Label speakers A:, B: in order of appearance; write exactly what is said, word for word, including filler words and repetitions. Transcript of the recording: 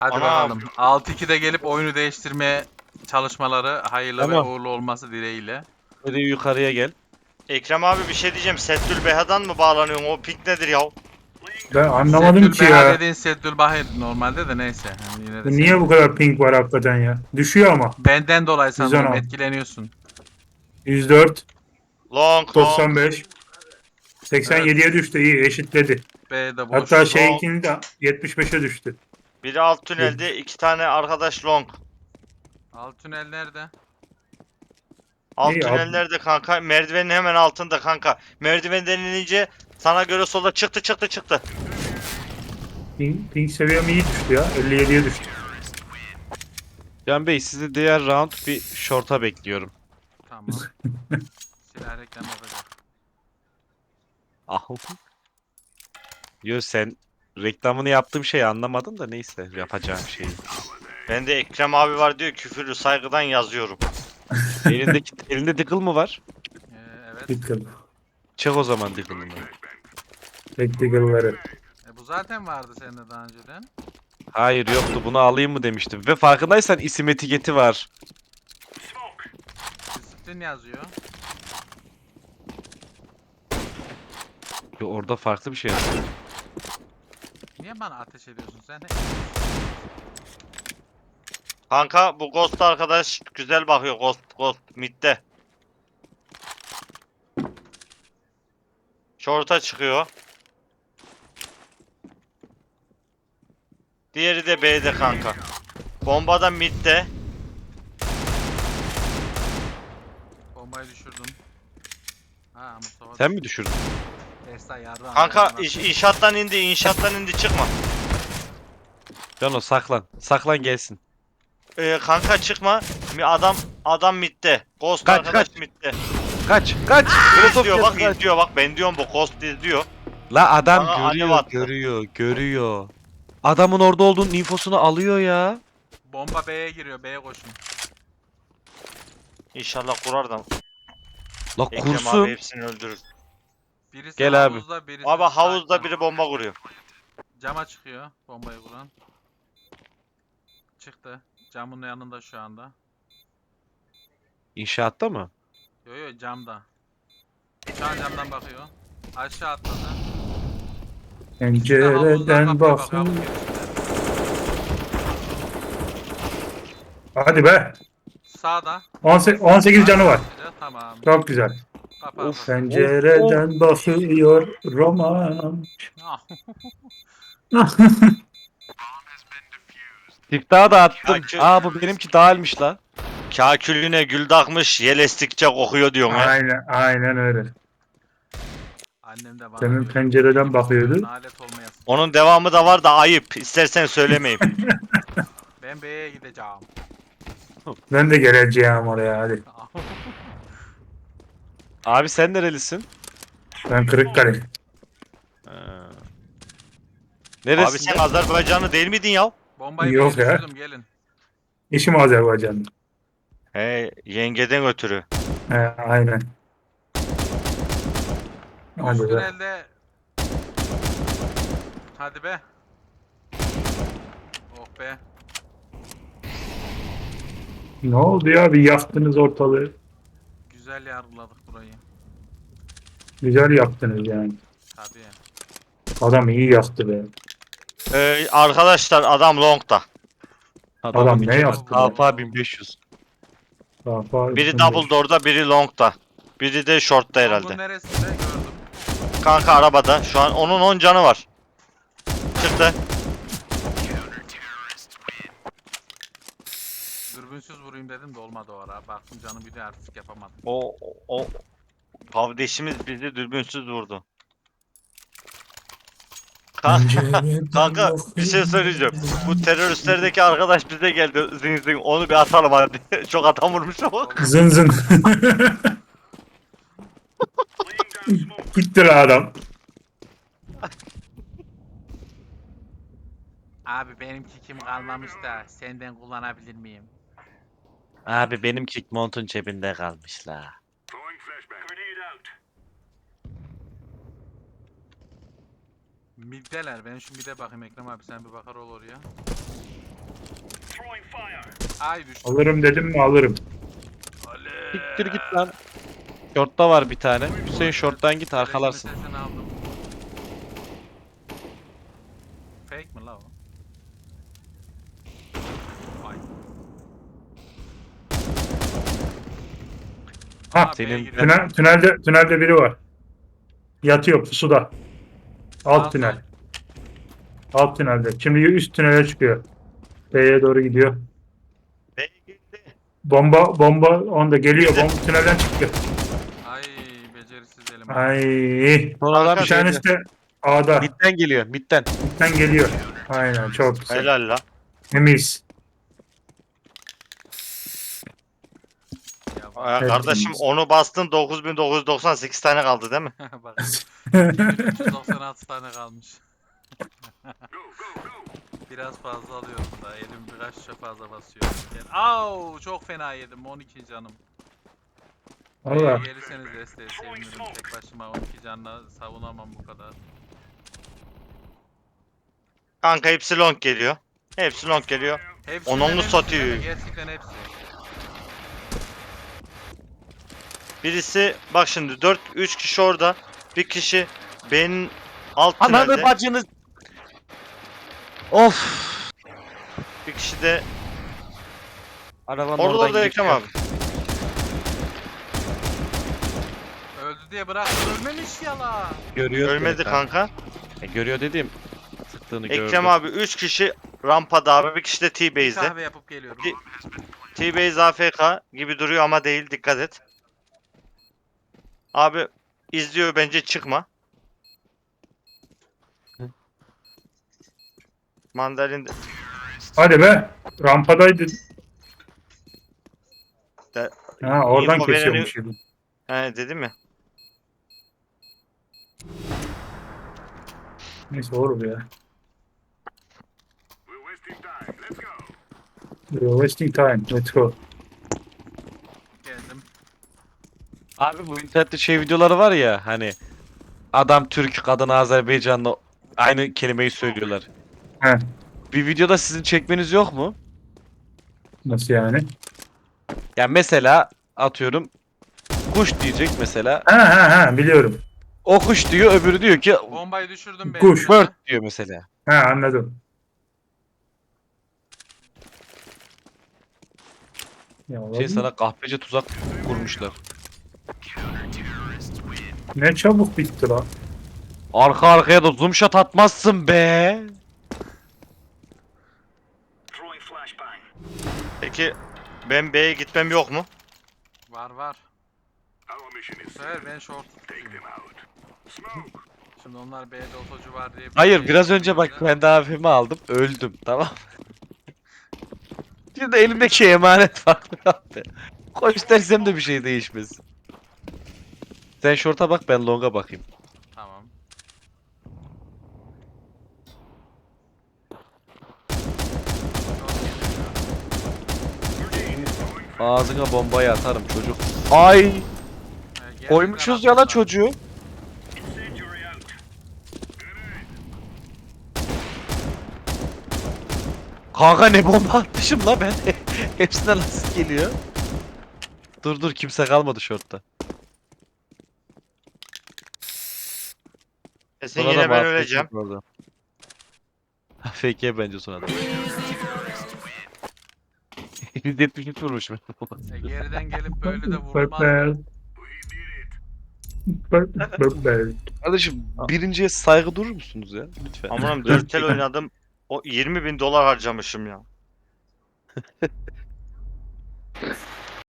A: Hadi
B: Ana.
A: bakalım. altı ikide gelip oyunu değiştirmeye çalışmaları hayırlı ve
C: Tamam.
A: uğurlu olması dileğiyle.
C: Hadi yukarıya gel.
B: Ekrem abi bir şey diyeceğim. Settül Beha'dan mı bağlanıyorsun? O ping nedir ya?
D: Ben anlamadım
A: Seddül
D: ki
A: Beha
D: ya.
A: dediğin Seddül Bahir normalde de neyse. Yani yine de
D: Bu niye
A: sen-
D: bu kadar ping var hakikaten ya? Düşüyor ama.
A: Benden dolayı sanırım
D: yüz on altı.
A: etkileniyorsun.
D: yüz dört,
B: Long long.
D: doksan beş, seksen yediye
A: Evet.
D: düştü. İyi eşitledi.
A: B'de boş.
D: Hatta şey
B: Long.
D: ikindi de yetmiş beşe düştü.
B: Biri alt tünelde, iki tane arkadaş long.
A: Alt tünel nerede?
B: Alt
D: İyi, alt-
B: tünellerde kanka. Merdivenin hemen altında kanka. Merdivenden inince sana göre solda çıktı çıktı çıktı.
D: Ping, ping seviyem iyi düştü ya. elli yediye düştü.
C: Can Bey sizi diğer round bir short'a bekliyorum.
A: Tamam. Silah reklamı yapacak.
C: Ah. Yo sen reklamını yaptığım şeyi anlamadın da neyse yapacağım şeyi.
B: Ben de Ekrem abi var diyor küfürlü saygıdan yazıyorum.
C: Elindeki elinde deagle mı var?
A: Ee, evet.
D: Dikkat.
C: Çek o zaman deagle'ını.
D: Tactical'ları.
A: E, bu zaten vardı sende daha önceden.
C: Hayır yoktu bunu alayım mı demiştim. Ve farkındaysan isim etiketi var.
A: Disiplin yazıyor.
C: Yo, orada farklı bir şey yazıyor.
A: Niye bana ateş ediyorsun sen?
B: Kanka bu Ghost arkadaş güzel bakıyor Ghost Ghost midde. Short'a çıkıyor. Diğeri de B'de kanka. Bomba da midde.
A: Bombayı düşürdüm. Ha Mustafa.
C: Sen mi düşürdün?
A: Esra yardım.
B: Kanka iş, inşaattan indi, inşaattan indi çıkma.
C: Cano saklan. Saklan gelsin.
B: Ee, kanka çıkma. Mi- Adam adam midde. Ghost
C: Kaç,
B: arkadaş
C: kaç.
B: midde.
C: Kaç kaç.
B: İzliyor bak
C: kaç.
B: izliyor bak ben diyorum bu Ghost izliyor.
C: La adam
B: Bana alev
C: görüyor
B: attı.
C: görüyor görüyor. Adamın orada olduğunun infosunu alıyor ya.
A: Bomba B'ye giriyor. B'ye koşun.
B: İnşallah kurar da
C: La
B: Ekrem abi
C: kursun.
B: hepsini öldürür.
A: Birisi
C: Gel abi.
A: havuzda, birisi
B: Abi havuzda
A: site'da.
B: biri bomba kuruyor.
A: Cama çıkıyor bombayı kuran. Çıktı. Camın yanında şu anda.
C: İnşaatta mı?
A: Yo yo camda. Şu an camdan bakıyor. Aşağı atladı. İkisi de havuzdan
D: Pencereden
A: kapıya bakıyor.
D: bakın.
A: havuz girişinde.
D: Hadi be.
A: Sağda.
D: on sekiz, on sekiz canı var.
A: Tamam.
D: Çok güzel.
A: Kapa,
C: Of.
A: kapa.
D: Pencereden bakıyor roman.
A: Ah,
C: Siftahı da attım.
B: Ya ki-
C: Aa bu benimki dağılmış la.
B: Kakülüne gül takmış yel estikçe kokuyor diyorsun he.
D: Aynen, aynen öyle.
A: Annem de bana
D: Senin
A: diyor,
D: pencereden
A: "Gibi
D: bakıyordu."
A: oluyorsun, alet olmayasın."
B: Onun devamı da var da ayıp. İstersen söylemeyeyim.
A: Ben B'ye gideceğim.
D: Ben de geleceğim oraya hadi.
C: Abi sen nerelisin?
D: Ben Kırıkkale.
C: Ha.
B: Abi
C: Neresi?
B: sen Azerbaycanlı değil miydin ya?
A: Bombayı
D: Yok
A: B'ye
D: ya.
A: düşürdüm gelin.
D: İşim Azerbaycan'da.
B: He yengeden ötürü.
D: He, aynen.
A: Üst
D: Hadi be.
A: tünelde. Hadi be. Oh be.
D: Ne oldu ya? Bir yaktınız ortalığı.
A: Güzel yargıladık burayı.
D: Güzel yaptınız yani.
A: Tabii.
D: Adam iyi yaktı be.
B: Ee, arkadaşlar adam long'da.
D: Adam ne yaptı?
C: Alfa bin beş yüz.
D: Kafa
B: Biri
D: üstünde.
B: double door'da biri long'da. Biri de short'ta
A: Long'un
B: herhalde.
A: neresinde gördüm.
B: Kanka arabada. Şu an onun on canı var. Çıktı.
A: Dürbünsüz vurayım dedim de olmadı o ara. Baktım canım bir de artistik yapamadım.
B: O o, o kardeşimiz bizi dürbünsüz vurdu. Kanka,
D: Pencereden
B: kanka bir şey söyleyeceğim. Bu teröristlerdeki arkadaş bize geldi. Zing zing onu bir atalım hadi. Çok adam vurmuş ama.
D: Zın zın. Gitti la adam.
A: Abi benimki kim kalmamış da senden kullanabilir miyim?
C: Abi benim kick montun cebinde kalmış la.
A: Middeler. Ben şu mide bakayım Ekrem abi sen bir bakar ol oraya. Ay düştü.
D: Alırım dedim mi alırım.
C: Siktir git lan. Short'ta var bir tane. Hüseyin short'tan git arkalarsın.
A: Resmi sesini aldım. Fake mi la o? Ay.
D: Ha,
A: Aa,
C: senin-
A: B'ye giriyor.
D: Tünel, tünelde, tünelde biri var. Yatıyor pusuda. Alt
A: Sağ
D: tünel.
A: sol.
D: Alt tünelde. Şimdi üst tünele çıkıyor. B'ye doğru gidiyor.
B: B'ye girdi.
D: Bomba bomba onda geliyor. Bomba tünelden çıktı.
A: Ay becerisiz elim.
D: Ay.
C: Son adam
D: Bir
C: şeyde.
D: tanesi de A'da.
C: Midden geliyor. Midden.
D: Midden geliyor. Aynen çok güzel.
B: Helal la.
D: Temiz.
A: Ya
B: Aa,
A: bak.
D: Evet.
B: kardeşim onu bastın dokuz bin dokuz yüz doksan sekiz tane kaldı değil mi?
A: Bak. üç yüz doksan altı tane kalmış. Biraz fazla alıyorum da elim biraz fazla basıyor. Yani, au çok fena yedim on iki canım.
D: Valla.
A: Ee, gelirseniz desteğe sevinirim. Tek başıma on iki canla savunamam bu kadar.
B: Kanka hepsi long geliyor. Hepsi long geliyor.
A: Hepsinden
B: Onu onu
A: hepsi,
B: satıyor.
A: değil mi? Gerçekten hepsi.
B: Birisi bak şimdi dört üç kişi orada. Bir kişi B'nin alt
C: Ananı
B: tünelde.
C: bacını. Of.
B: Bir kişi de
C: Arabanın
B: orada
C: oradan
B: orada Ekrem abi.
A: Öldü diye bırak ölmemiş ya la.
C: Görüyor.
B: Ölmedi
C: seni
B: kanka.
C: E, görüyor dediğim. Sıktığını gördü.
B: Ekrem abi üç kişi rampada abi. Bir kişi de
A: Bir
B: T-Base'de.
A: kahve yapıp geliyorum.
B: Bir- T-Base A F K gibi duruyor ama değil, dikkat et. Abi izliyor, bence çıkma. Mandalin de-
D: Hadi be. Rampadaydı.
B: De-
D: Ha oradan
B: info
D: kesiyormuş
B: vereni-
D: gibi.
B: He dedim ya.
D: Neyse olur ya. We're wasting time. Let's go.
A: Geldim.
C: Abi bu internette şey videoları var ya hani adam Türk, kadın Azerbaycanlı aynı kelimeyi söylüyorlar.
D: He.
C: Bir videoda sizin çekmeniz yok mu?
D: Nasıl yani?
C: Yani mesela atıyorum kuş diyecek mesela.
D: Ha ha ha biliyorum.
C: O kuş diyor, öbürü diyor ki
A: Bombayı düşürdüm ben.
D: Kuş.
C: bird diyor mesela.
D: Ha anladım. Ya,
C: Şey
D: oğlum,
C: sana kahpece tuzak kurmuşlar.
D: ne çabuk bitti lan.
C: Arka arkaya da zoom shot atmazsın be.
B: Peki ben B'ye gitmem yok mu?
A: Var var. Bu sefer ben short tutayım. Şimdi onlar B'de otocu var diye. bir
C: Hayır
A: şey
C: biraz önce bak
A: yapıyorlar.
C: ben de A F M'yi aldım öldüm tamam. Şimdi elimdeki emanet farklı abi. Koş dersem de bir şey değişmez. Sen short'a bak ben long'a bakayım.
A: Tamam.
C: Ağzına bombayı atarım çocuk. Ay
A: Ee, gerçekten
C: koymuşuz ya la
A: atmışlar.
C: çocuğu. Kanka ne bomba atmışım la ben. Hepsinden asist geliyor. Dur dur kimse kalmadı short'ta.
B: Kesin
C: Sonra da
B: yine ben
C: muhabbet
B: öleceğim.
C: yok orada. Fake bence sonra da. yüz yetmiş üç vurmuşum.
A: E, geriden gelip böyle de vurulmaz.
D: Purple. Purple. Purple.
C: Kardeşim birinciye saygı durur musunuz ya? Lütfen.
B: Aman dört tel oynadım. O yirmi bin dolar harcamışım ya.